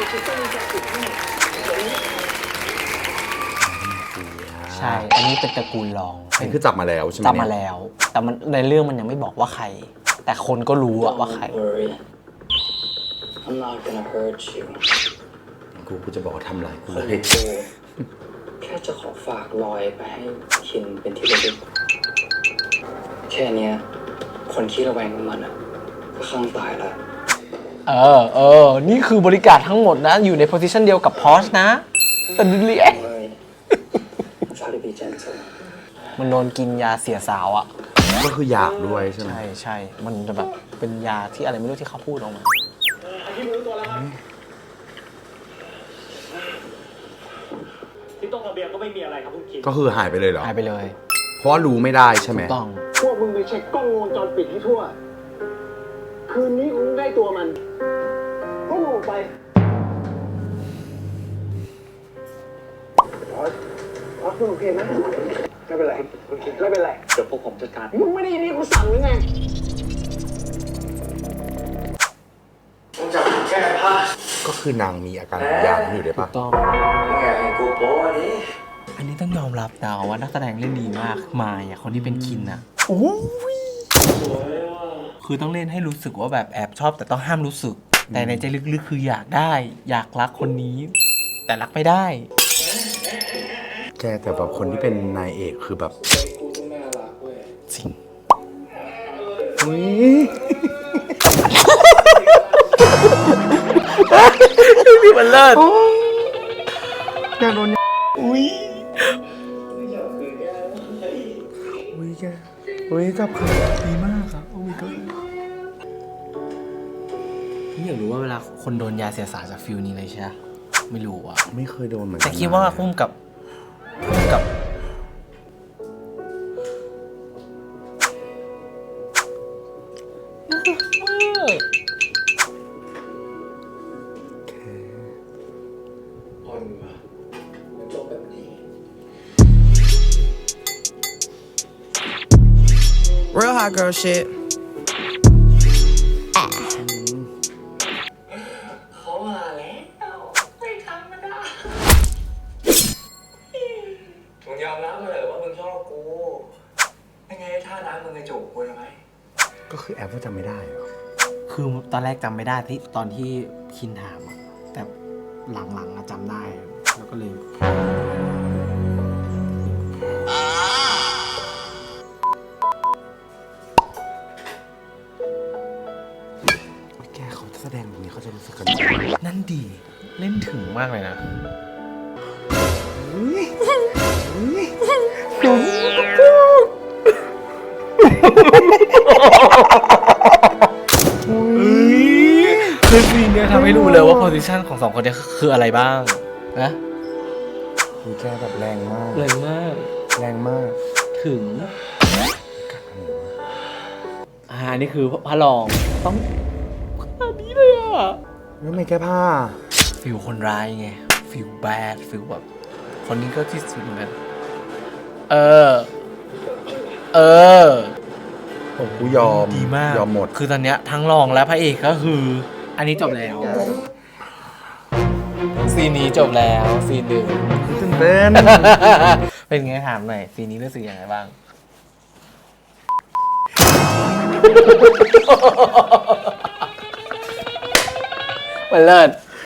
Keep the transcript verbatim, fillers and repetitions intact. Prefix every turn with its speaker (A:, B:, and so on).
A: ใช่อันนี้เป็นตระกูลรอง
B: อันนี้คือจับมาแล้วใช่ไหม
A: จับมาแล้วแต่มันในเรื่องมันยังไม่บอกว่าใครแต่คนก็รู้อะว่าใคร
B: กูกูจะบอกว่าทำไรกูเลย
C: แค่จะขอฝากลอยไปให้คินเป็นที่ระลึกแค่นี้คนขี้ระแวงกับมันอ่ะก็ข้างตายแล้ว
A: เออเออนี่คือบริการทั้งหมดนะอยู่ในโพสิชันเดียวกับพอชนะแต่ดิเลียมันโดนกินยาเสียสาวอ่ะ
B: ก็คืออยากด้วยใช่ไหม
A: ใช่ใช่มันจะแบบเป็นยาที่อะไรไม่รู้ที่เขาพูดออกมา
D: ที่ตรงระเบียงก็ไม่มีอะไรครับคุณคิด
B: ก็คือหายไปเลยเหรอ
A: หายไปเลย
B: เพราะว่ารู้ไม่ได้ใช่ไหม
A: ถูกต้อง
D: พวกมึงไปเช็คกล้องวงจรปิดให้ทั่วคืนนี้คุณได้ตัวมันก็ลงไปพอสพอสคุณโอเคไหมไม่เป็นไรคุณคิดไม่เป็นไรเดี๋ยวพวกผมจัดการมึงไม่ได้ยินที่กูสั่งหรือไงมึงจับแก้ผ้า
B: ก็คือนางมีอาการยามอยู่ได้ปะ
A: ต้อง
D: กูโป้อันนี้
A: อันนี้ต้องยอมรับนะว่านักแสดงเล่นดีมากมายอ่ะคนที่เป็นคินอ่ะโอ้ยคือต้องเล่นให้รู้สึกว่าแบบแอบชอบแต่ต้องห้ามรู้สึกแต่ในใจลึกๆคืออยากได้อยากรักคนนี้แต่รักไม่ได้
B: แกแต่แบบคนที่เป็นนายเอกคือแบบ
A: จริง
B: อุ้ย
A: พี่มันเลิศ
B: อยากโดน
A: อุ้ย
B: อุ้ยแกอุ้ยจับคือ
A: ดีมากครับโอ้ยก็พี่อยากรู้ว่าเวลาคนโดนยาเสียสารจากฟิลนี้เลยใช่ไหมไม่รู้อ่ะ
B: ไม่เคยโดนเหมือนกัน
A: แต่คิดว่าคุ้มกับคุ้มกับ
E: Real hot girl shit.
C: เขามาแล้วไม่ทำมันได้มึงยอมรับมาเลยว่ามึงชอบกูไม่ไงท่าน้ำมึงจะจูบกูใช่ไหม
B: ก็คือแอปว่าจำไม่ได้เหรอ
A: คือตอนแรกจำไม่ได้ที่ตอนที่คินถามอะแต่หลังๆจำได้แล้วก็เลย
B: แสดงแบบนี้เขาจะรู้สึกกัน
A: นั่นดีเล่นถึงมากเลยนะคือซีนเนี้ยทำให้รู้เลยว่าโพสิชันของสองคนนี้คืออะไรบ้างนะ
B: คือแกแบบแรงมาก
A: แรงมาก
B: แรงมาก
A: ถึงอ่านี่คือพระรองต้องอันนี้เลยอ่ะ
B: แล้วไม่แก้ผ้า
A: ฟิลคนร้ายไงฟิลแบดฟิลแบบคนนี้ก็ที่สุดเหมือนกันเออเออ
B: ผมกูยอม
A: ดีมาก
B: ยอมหมด
A: คือตอนเนี้ยทั้งรองและพระเอกก็คืออันนี้จบแล้วซีนนี้จบแล้วซีนหนึ่ง
B: ตื่นเต้น
A: เป็นไงถามหน่อยซีนนี้รู้สึกยังไงบ้างมันเลิศ